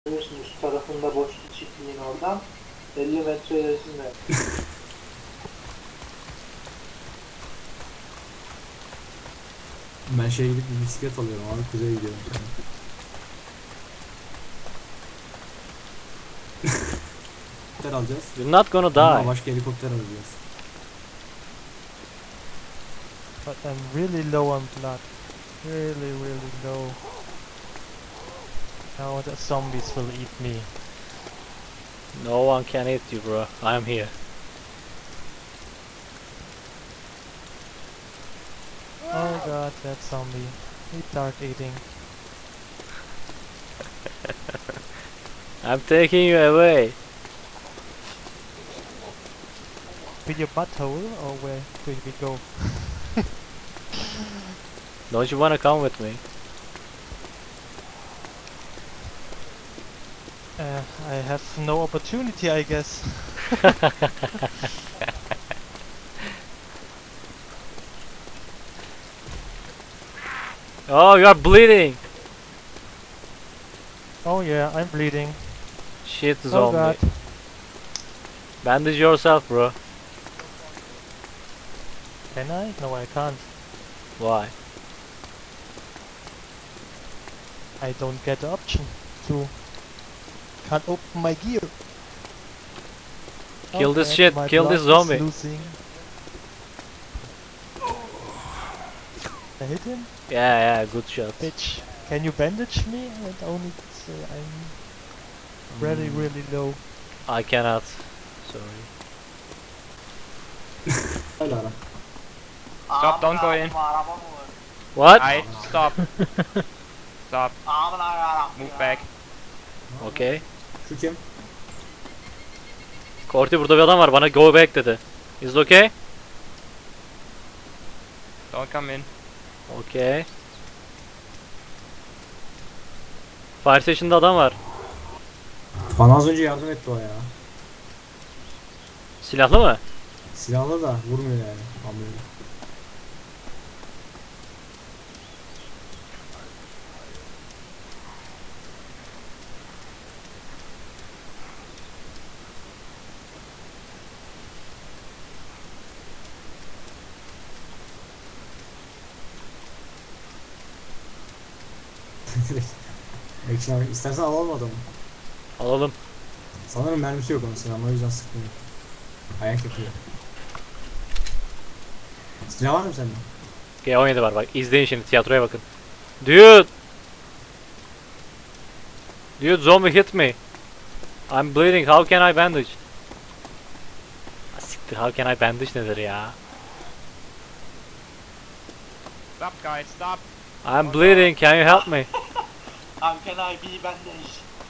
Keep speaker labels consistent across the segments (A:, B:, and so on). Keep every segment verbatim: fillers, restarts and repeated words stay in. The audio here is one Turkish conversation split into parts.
A: Görüyorsun üst tarafında boş bir çiftliğin oradan elli metre ilerisinde.
B: Ben şeye gidip bir bisiklet alıyorum abi, kuzeye gidiyorum sonra. Helikopter alacağız.
C: You're not gonna
B: Ama
C: die.
B: başka helikopter alacağız.
D: But I'm really low on blood. Really, really low. Now the zombies will eat me.
C: No one can hit you, bro. I'm here.
D: Oh god, that zombie. He start eating.
C: I'm taking you away.
D: With your butthole, or where do we go?
C: Don't you wanna come with me?
D: Uh, I have no opportunity, I guess.
C: Oh, you are bleeding.
D: Oh yeah, I'm bleeding.
C: Shit,
D: Oh
C: zombie.
D: god.
C: Bandage yourself, bro.
D: Can I? No, I can't.
C: Why?
D: I don't get the option to. Can't open my gear.
C: Kill this
D: Okay,
C: shit,
D: my
C: kill
D: blood
C: this
D: is
C: zombie.
D: losing. I hit him?
C: Yeah, yeah, good shot.
D: Bitch. Can you bandage me? And only say I'm really,
B: Hmm.
D: really low.
C: I cannot. Sorry.
B: Hadi ara.
E: Stop, don't go in.
C: What?
E: I stop. Stop. Move back.
C: Okay.
B: Şu kim?
C: Korti, burada bir adam var, bana go back dedi. Is it okay?
E: Don't come in.
C: Okay. Fire station'da adam var.
B: Bana az önce yardım etti o ya.
C: Silahlı mı?
B: Silahlı da vurmuyor yani. Anlıyorum. Action abi, istersen alalım adamı.
C: Alalım.
B: Sanırım mermisi yok onun silahının, o yüzden sıkmıyor. Ayak yapıyor. Silah var mı sende?
C: G on yedi var bak. İzleyin şimdi, tiyatroya bakın. Dude! Dude, zombie hit me. I'm bleeding. How can I bandage? Ah, siktir, how can I bandage nedir ya?
E: Stop, guys. Stop.
C: I'm bleeding. Can you help me?
A: How can I be bandage?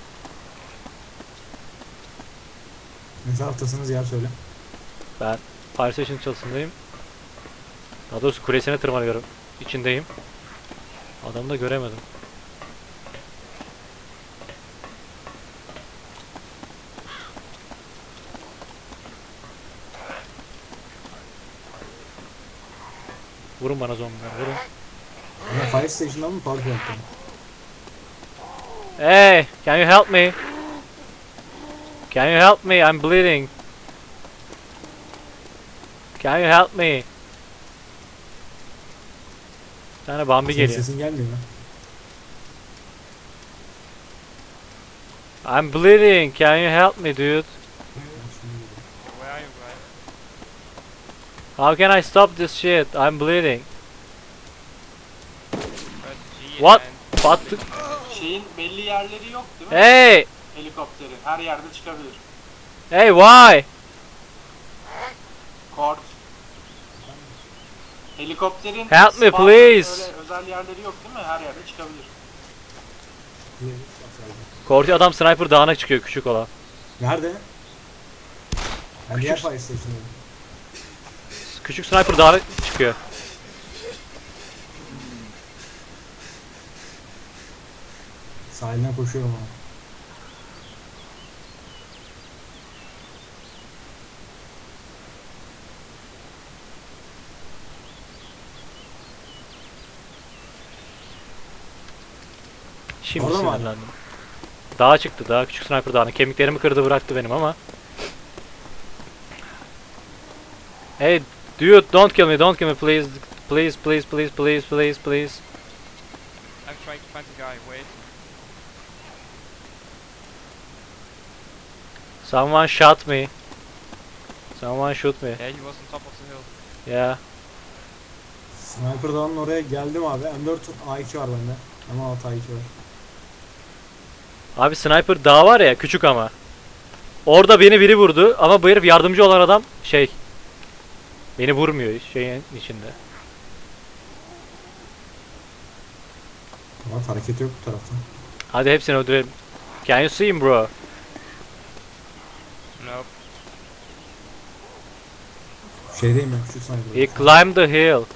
B: Ne taraftasınız yer söyle.
C: Ben Fire Station çalısındayım. Daha doğrusu kulesine tırmanıyorum. İçindeyim. Adamı da göremedim. Vurun bana zombiler, vurun.
B: Ya Fire Station'dan mı Power Plant'tan mı?
C: Hey, can you help me? Can you help me? I'm bleeding. Can you help me? Bir tane Bambi
B: Senin
C: geliyor.
B: sesin gelmiyor mu?
C: I'm bleeding. Can you help me, dude?
E: Where are you, guys?
C: How can I stop this shit? I'm bleeding.
E: Press G
C: What?
E: and
C: What?
A: Şeyin belli yerleri yok değil mi?
C: Hey!
A: Helikopterin her yerde çıkabilir.
C: Hey, why?
A: Kort. Helikopterin
C: Help me,
A: spawn-
C: please.
A: Öyle özel yerleri yok değil mi? Her yerde çıkabilir.
C: Korti adam sniper dağına çıkıyor, küçük olan.
B: Nerede? Ben diğer
C: Küçük-
B: Fire Station'dayım.
C: Küçük sniper dağına çıkıyor.
B: Sahilden koşuyorum ama.
C: Şimdi
B: Orada mı hala?
C: sinirlendim. Dağa çıktı. Daha küçük sniper dağını. Kemiklerimi kırdı bıraktı benim ama. Hey dude, don't kill me, don't kill me please. Please, please, please, please, please, please.
E: I'm trying to find the guy. Wait.
C: Someone shot me. Someone shoot me.
E: Yeah, he was on top of the hill.
C: Yeah.
B: Sniper Dağı'nın oraya geldim abi. M dört A iki var bende. M altı A iki var.
C: Abi sniper dağ var ya, küçük ama. Orada beni biri vurdu ama bu herif yardımcı olan adam şey. Beni vurmuyor şeyin içinde.
B: Ama hareket yok bu taraftan.
C: Hadi hepsini öldürelim. Can you see him bro?
E: Nope.
B: Şeydeyim ben, küçük sniper.
C: He climbed the hill.
E: Yeah.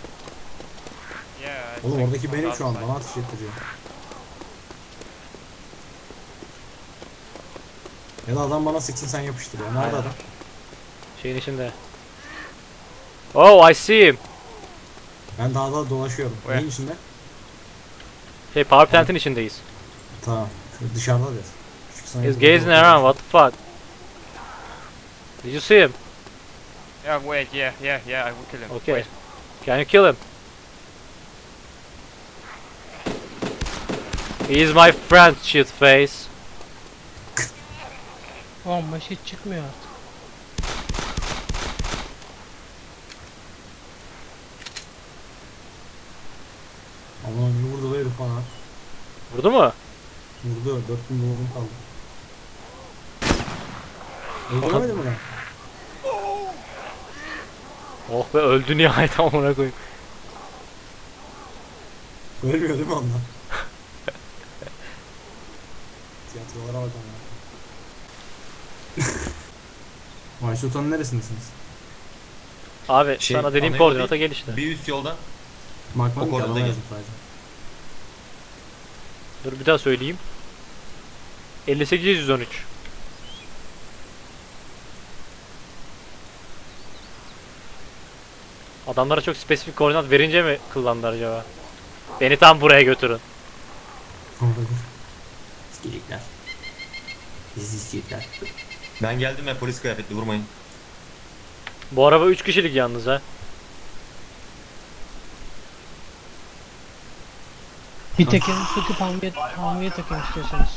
E: it's
B: Oğlum
E: like
B: oradaki
E: on
B: benim
E: the
B: şu an,
E: other
B: bana ateş ettiriyor. Ya da adam bana sıksın sen yapıştırıyor. Nerede
C: Aynen.
B: adam?
C: Şeyin içinde. Oh, I see him.
B: Ben dağda dolaşıyorum.
E: Where?
B: Neyin içinde?
C: Şey, power plant'in içindeyiz.
B: Tamam. Şu dışarıda der. Küçük sniper.
C: He's gazing around, what the fuck? Did you see him?
E: side. Yeah, wait. Yeah, yeah, yeah. I will kill him.
C: Okay.
E: Wait.
C: Can you kill him? He is my friend, shit face.
D: Ama hiç çıkmıyor artık.
B: Aman ne vurdu be herif bana.
C: Vurdu mu?
B: Vurdu. dört bin dolarım kaldı. Öldüremedin mi lan?
C: Oh be, öldü nihayet, amına koyayım.
B: Ölmüyor değil mi ondan? Tiyatrolara bak ama. Vay Sultan'ın neresindesiniz?
C: Abi
F: Şey,
C: sana dediğim
F: Amerika
C: koordinata
F: değil,
C: gel işte.
F: Bir üst yolda.
B: Bakmadım
F: O
B: ki
F: konuda
B: adama
F: gel.
B: yazdım sadece.
C: Dur bir daha söyleyeyim. elli sekiz yüz on üç. Adamlara çok spesifik koordinat verince mi kullandılar acaba? Beni tam buraya götürün.
B: Olabilir. İskilikler. Bizi iskilikler.
F: Ben geldim ve polis kıyafetli, vurmayın.
C: Bu araba üç kişilik yalnız ha.
D: Bir tekerini söküp hamviye, hamviye takın istiyorsanız.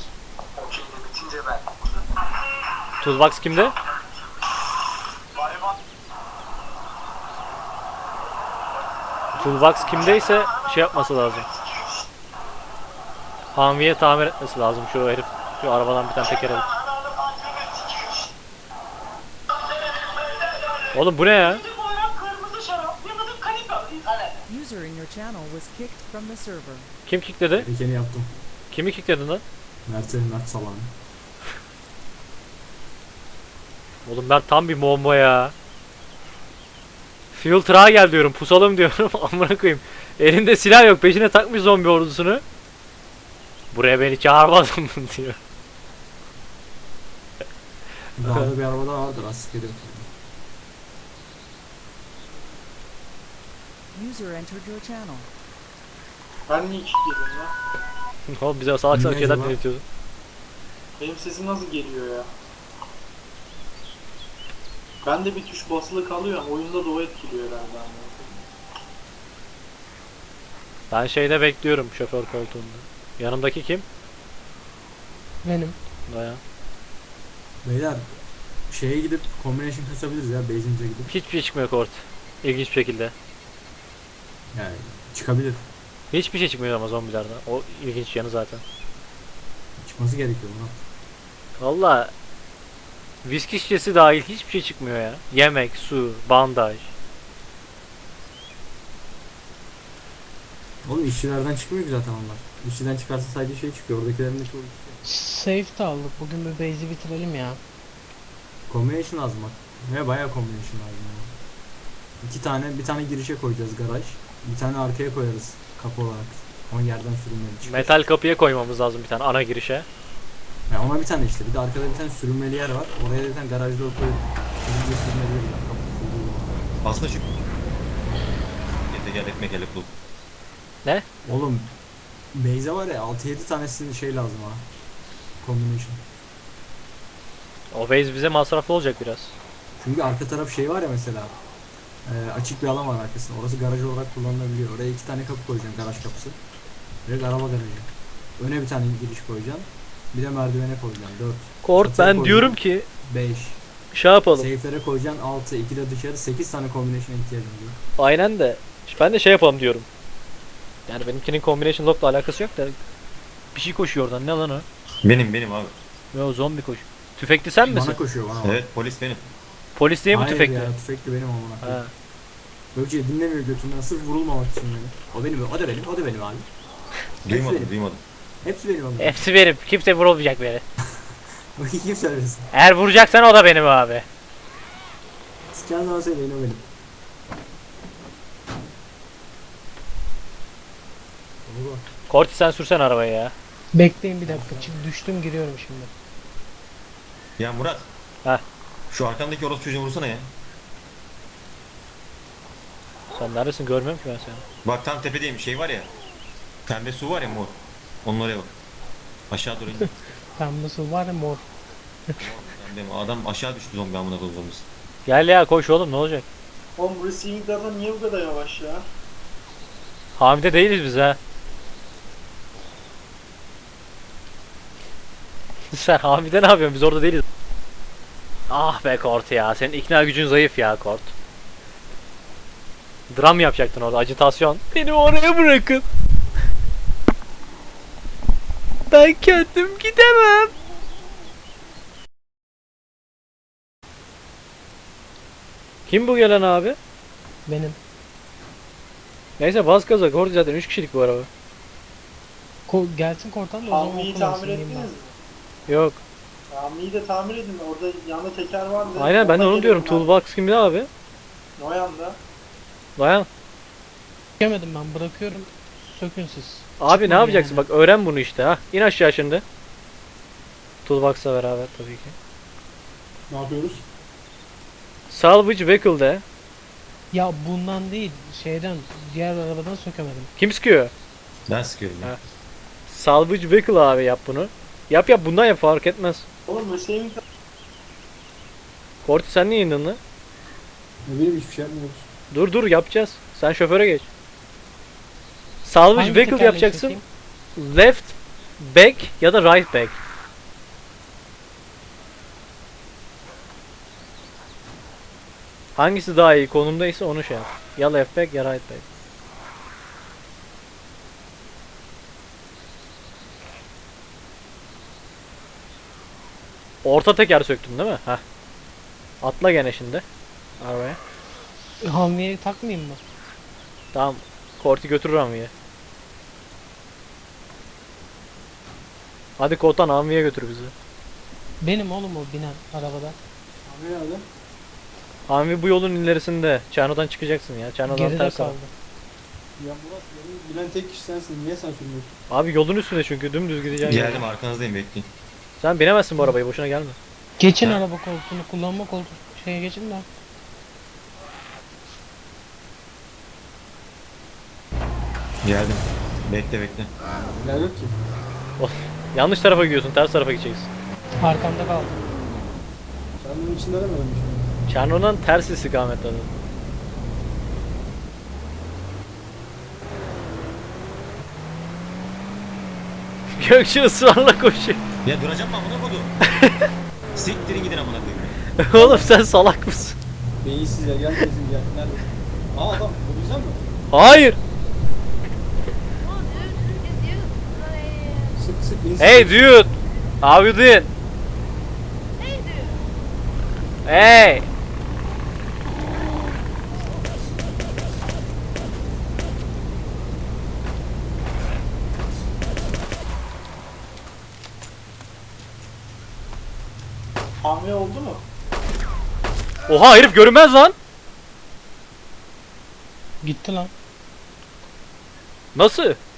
C: Toolbox kimde? Toolbox kimdeyse şey yapması lazım. Hamviye tamir etmesi lazım şu herif. Şu arabadan bir tane teker alıp. Oğlum bu ne ya?
G: User in your channel was kicked from the server.
C: Kim kickledi?
B: Gerekeni yaptım.
C: Kimi kickledin lan?
B: Mert'e Mert Salan.
C: Oğlum ben tam bir bomba ya. Fuel truck'a gel diyorum, pusalım diyorum. Amına koyayım. Elinde silah yok, peşine takmış zombi ordusunu. Buraya beni çağırmadın mı diyor.
B: Dağda bir araba daha vardır askeri.
G: User entered your channel.
A: Ben niye kilitledim ya?
C: Oğlum bize salak salak
B: Ne
C: şeyler
B: acaba?
C: dinletiyorsun.
A: Benim sesim nasıl geliyor ya? Ben de bir tuş basılı kalıyor ama oyunda da o etkiliyor herhalde.
C: Ben şeyde bekliyorum, şoför koltuğunda. Yanımdaki kim?
D: Benim.
C: Daya.
B: Beyler şeye gidip combination kasabiliriz ya base'imize gidip.
C: Hiçbir şey çıkmıyor kort. İlginç bir şekilde.
B: Yani çıkabilir.
C: Hiçbir şey çıkmıyor ama zombilerden. O ilginç yanı zaten.
B: Çıkması gerekiyor lan.
C: Valla viski şişesi dahil hiçbir şey çıkmıyor ya. Yemek, su, bandaj.
B: Oğlum işçilerden çıkmıyor ki zaten onlar. İşçiden çıkarsa sadece şey çıkıyor. Oradakilerin de çoğu işçi.
D: Safe de aldık. Bugün bir base'i bitirelim ya.
B: Combination lazım bak. Ve bayağı combination lazım yani. İki tane, bir tane girişe koyacağız garaj. Bir tane arkaya koyarız kapı olarak. Ama yerden sürünmeli çıkıyor.
C: Metal kapıya koymamız lazım bir tane ana girişe.
B: Yani ona bir tane işte. Bir de arkada bir tane sürünmeli yer var. Oraya bir tane garajda koyup hızlıca sürünmeli yer var. Kapı sürünmeli.
F: Aslında çık. Yete gel, ekmek hele bul.
B: Oğlum Beyze var ya altı yedi tanesinin şey lazım ha. Combination.
C: O base bize masraflı olacak biraz.
B: Çünkü arka taraf şey var ya mesela. E, açık bir alan var arkasında. Orası garaj olarak kullanılabiliyor. Oraya iki tane kapı koyacaksın, garaj kapısı. Direkt araba garajı. Öne bir tane giriş koyacaksın. Bir de merdivene koyacaksın. dört.
C: Kort
B: Çatıya
C: ben
B: koyacaksın.
C: diyorum ki
B: beş.
C: şey yapalım.
B: Safe'lere koyacaksın altı. iki de dışarı. sekiz tane combination'a ihtiyacın var.
C: Aynen de. Ben de şey yapalım diyorum. Yani benimkinin combination lock'la alakası yok da bir şey koşuyor oradan. Ne lan o?
F: Benim benim abi.
C: Ne o zombi koş. Tüfekli sen misin?
B: Bana koşuyor bana. bak.
F: Evet polis benim.
C: Polis değil mi
B: Hayır
C: tüfekli?
B: ya, tüfekli benim amına
C: Ha.
B: koyayım. Gökçe dinlemiyor götünden sırf vurulmamak için beni. O benim, o da benim, o da benim abi.
F: Duymadım
B: benim.
F: duymadım.
B: Hepsi benim abi.
C: Hepsi benim. Kimse vurulmayacak beni.
B: Kim söylesin?
C: Eğer vuracaksan o da benim abi.
B: Sıkan zaman söyleyin o benim. Baba.
C: Korti sen sürsen arabayı ya.
D: Bekleyin bir dakika. Çık düştüm giriyorum şimdi.
F: Ya Murat.
C: Heh.
F: Şu arkandaki orospu çocuğunu vursana ya.
C: Sen neredesin görmüyorum ki ben seni.
F: Bak tam tepedeyim şey var ya. Pembe su var ya mor. Onun oraya bak. Aşağı doğru indi.
D: Tam nasıl var ya mor.
F: Pembe mi? Adam aşağı düştü zombi amına koyduğum zombisi.
C: Gel ya koş oğlum ne olacak?
A: Oğlum bu receiving data niye bu kadar yavaş ya?
C: Hamide değiliz biz ha. Sen Hamide ne yapıyorsun? Biz orada değiliz. Ah be Kort ya. Senin ikna gücün zayıf ya Kort. Dram yapacaktın orada. Acitasyon. Beni oraya bırakın. Ben kendim gidemem. Kim bu gelen abi?
D: Benim.
C: Neyse bas gaza. Kort zaten üç kişilik bu araba.
D: Ko gelsin kortan da o zaman
A: Hammi'yi
D: kullansın,
A: tamir
D: diyeyim
A: ettiniz
D: ben.
A: mi?
C: Yok.
A: Hammi'yi de tamir edin. Orada yanında teker vardı.
C: Aynen ben de
A: Onunla
C: onu diyorum.
A: gelin ben.
C: Toolbox kimde abi?
A: O yanda.
C: Dayan.
D: Sökemedim ben bırakıyorum. Sökün siz.
C: Abi ne
D: Çıkmıyor
C: yapacaksın?
D: yani.
C: Bak öğren bunu işte ha. İn aşağı şimdi. Toolbox'la beraber tabii ki.
B: Ne yapıyoruz?
C: Salvage vehicle de.
D: Ya bundan değil şeyden diğer arabadan sökemedim.
C: Kim sıkıyor?
F: Ben sıkıyorum ya.
C: Ha. Salvage vehicle abi yap bunu. Yap yap bundan yap fark etmez.
A: Oğlum receiving data
C: Korti sen niye indin lan?
B: Ne bileyim hiçbir şey yapmıyoruz.
C: Dur dur yapacağız. Sen şoföre geç. Salvage
D: Hangi
C: vehicle
D: tekerleği
C: yapacaksın.
D: sökeyim?
C: Left back ya da right back. Hangisi daha iyi konumdaysa onu şey yap. Ya left back ya right back. Orta teker söktün değil mi? Heh. Atla gene şimdi. Arabaya.
D: Hamviye takmayayım mı?
C: Tamam. Korti götürür Amvi'ye. Hadi Kotan Amvi'ye götür bizi.
D: Benim oğlum o binen arabada.
B: Abi nerede?
C: Amvi bu yolun ilerisinde. Çarno'dan çıkacaksın ya. Çarno'dan
D: Geride
C: ters al.
D: kaldı.
B: Ya Murat benim bilen tek kişi sensin. Niye sen sürmüyorsun?
C: Abi yolun üstünde çünkü dümdüz gideceksin.
F: Geldim arkanızdayım bekleyin.
C: Sen binemezsin bu arabayı boşuna gelme.
D: Geçin
F: Ha.
D: araba koltuğunu kullanma koltuğu şeye geçin de.
F: Geldim. Bekle bekle.
B: Ya yok ki.
C: Yanlış tarafa gidiyorsun. Ters tarafa gideceksin.
D: Arkamda kaldı.
B: Sen bunun içinde aramıyordun şimdi.
C: Çarno'dan ters istikamette. adı. Gökçe ısrarla koşuyor.
F: Ya duracağım mı amına koydum? Siktirin gidin amına koyayım.
C: Oğlum sen salak mısın?
B: Beyinsiz ya gel kesin gel. Nerede? Aa adam bu güzel mi?
C: Hayır.
H: Oh, dude, it's you.
B: Sık sık insin.
C: Hey dude. How you doing?
H: Hey, dude.
C: Hey.
A: hamle oldu mu?
C: Oha herif görünmez lan.
D: Gitti lan.
C: Nasıl?